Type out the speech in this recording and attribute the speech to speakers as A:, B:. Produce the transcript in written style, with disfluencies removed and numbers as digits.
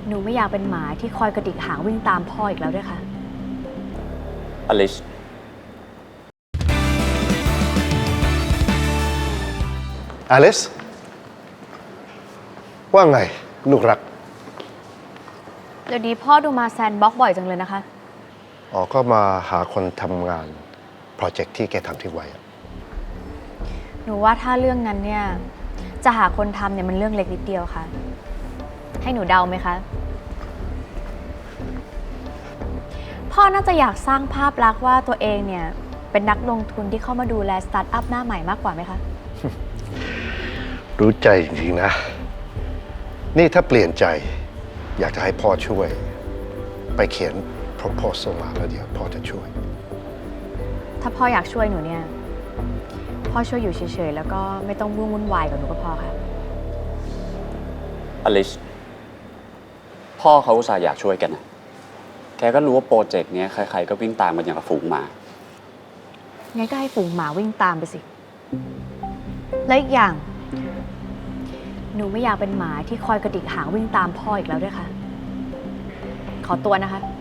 A: หนูไม่อยากเป็นหมาที่คอยกระดิกหางวิ่งตามพ่ออีกแล้วด้วยค่ะ
B: อลิส
C: อลิสว่าไงลูกรัก
A: เดี๋ยวนี้พ่อดูมาแซนด์บ็อกซ์บ่อยจังเลยนะคะ
C: อ๋อก็มาหาคนทำงานโปรเจกต์ที่แกทำที่ไว้
A: หนูว่าถ้าเรื่องนั้นเนี่ยจะหาคนทำเนี่ยมันเรื่องเล็กนิดเดียวค่ะให้หนูเดาไหมคะพ่อน่าจะอยากสร้างภาพลักษณ์ว่าตัวเองเนี่ยเป็นนักลงทุนที่เข้ามาดูแลสตาร์ทอัพหน้าใหม่มากกว่าไหมคะ
C: รู้ใจจริงๆนะนี่ถ้าเปลี่ยนใจอยากจะให้พ่อช่วยไปเขียน proposal มาแล้วเดี๋ยวพ่อจะช่วย
A: ถ้าพ่ออยากช่วยหนูเนี่ยพ่อช่วยอยู่เฉยๆแล้วก็ไม่ต้องวุ่นวายกับหนูก็พอค่ะ
B: อลิสพ่อเขาอุตส่าห์อยากช่วยกันนะแกก็รู้ว่าโปรเจกต์นี้ใครๆก็วิ่งตามกันอย่างกับฝูงหมา
A: งั้นก็ให้ฝูงหมาวิ่งตามไปสิและอีกอย่างหนูไม่อยากเป็นหมาที่คอยกระดิกหางวิ่งตามพ่ออีกแล้วด้วยค่ะขอตัวนะคะ